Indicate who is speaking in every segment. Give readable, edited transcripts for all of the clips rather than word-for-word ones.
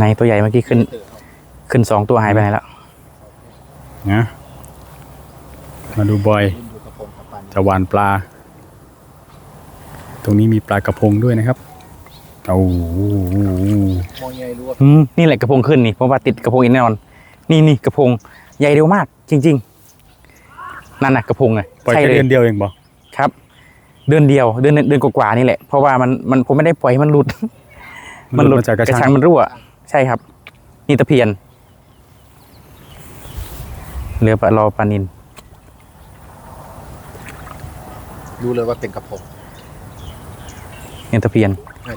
Speaker 1: ในตัวใหญ่เมื่อกี้ขึ้น2 ตัวหายไปไหนแล้ว
Speaker 2: นะมาดูบอยจะหวานปลาตรงนี้มีปลากระพงด้วยนะครับโอ้
Speaker 1: นี่แหละกระพงขึ้นนี่เพราะว่าติดกระพงอีกแน่นอนนี่กระพงใหญ่เร็วมากจริงๆนั่นน่ะกระพงไง
Speaker 2: ปล่อยแค่เดือนเดียวเองบอก
Speaker 1: ครับเดือนเดียวเดือนกว่าๆนี่แหละเพราะว่ามันผมไม่ได้ปล่อยมันหลุด
Speaker 2: จากกระชัง
Speaker 1: มันรั่วใช่ครับนี่ตะเพียนเรือรอปลานิล
Speaker 3: รู้เลยว่าเป็นกระพง
Speaker 1: นี่ตะเพียน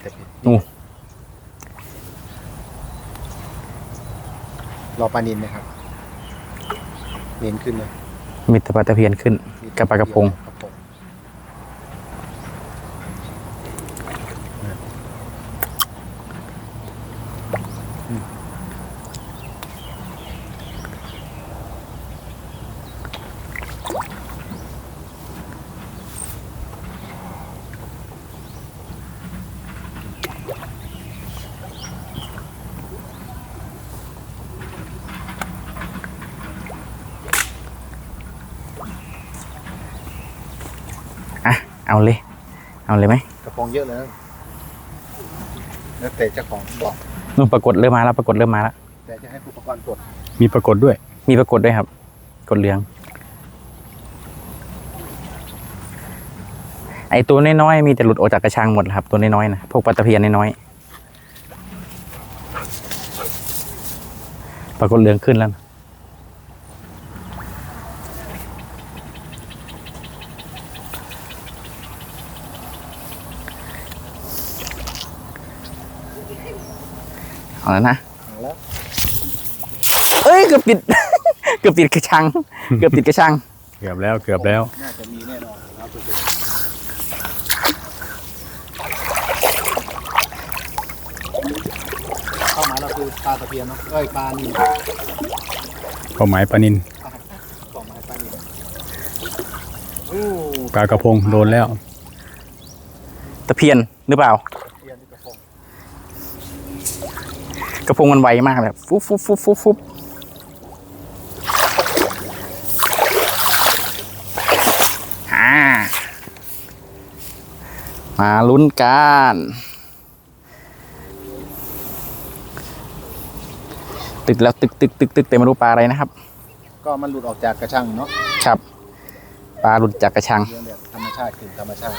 Speaker 3: รอปลานิลนะครับเน้นขึ้นเลย
Speaker 1: มีปลาตะเพียนขึ้นกับปลากระพงเอาเลยไหม
Speaker 3: กระพงเยอะเลยแล้วแต่เจ้าของบอก
Speaker 1: นู่นปรากฏเริ่มมาแล้ว
Speaker 3: แต่จะให้ผู้ประกอบกด
Speaker 2: มีปรากฏด้วย
Speaker 1: ครับกดเหลืองไอตัวน้อยๆมีแต่หลุดออกจากกระชังหมดครับตัวน้อยๆนะพวกปลาตะเพียนน้อยๆปรากฏเหลืองขึ้นแล้วเอาแล้วนะเอ้ยเกือบติด เกือบติดกระชังเกือบ
Speaker 2: แล้ว
Speaker 3: น่าจะมีแน่นอนเข้าหมายเราคือปลาตะเพียนเนาะปลานิล
Speaker 2: เข้าหมายปลานิลปลากระพงโดนแล้ว
Speaker 1: ตะเพียนหรือเปล่ากระพงมันไวมากเลยฟุบมาลุ้นกันตึกแล้วตึกแต่ไม่รู้ปลาอะไรนะครับ
Speaker 3: ก็มันหลุดออกจากกระชังเนาะ
Speaker 1: ครับปลาหลุดจากกระชัง
Speaker 3: ธรรมชาติคือธรรมชาติ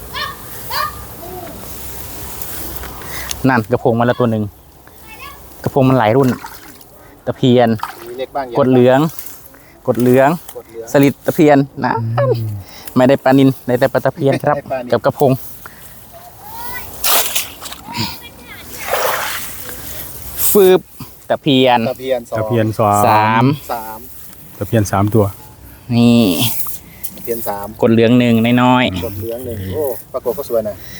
Speaker 1: นั่นกระพงมาแล้วตัวหนึ่งกระพงมันหลายรุ่นตะเพียนกดเหลืองสลิดตะเพียนนะไม่ได้ปลานิลได้แต่ปลาตะเพียนครับกับกระพงฟืบตะเพียน
Speaker 2: 3ตะเพียน3ตัว
Speaker 1: นี่
Speaker 3: ตะเพียน3
Speaker 1: กดเหลือง1น้อย
Speaker 3: กดเหลือง1โอ้ปรากฏก็สวยนะ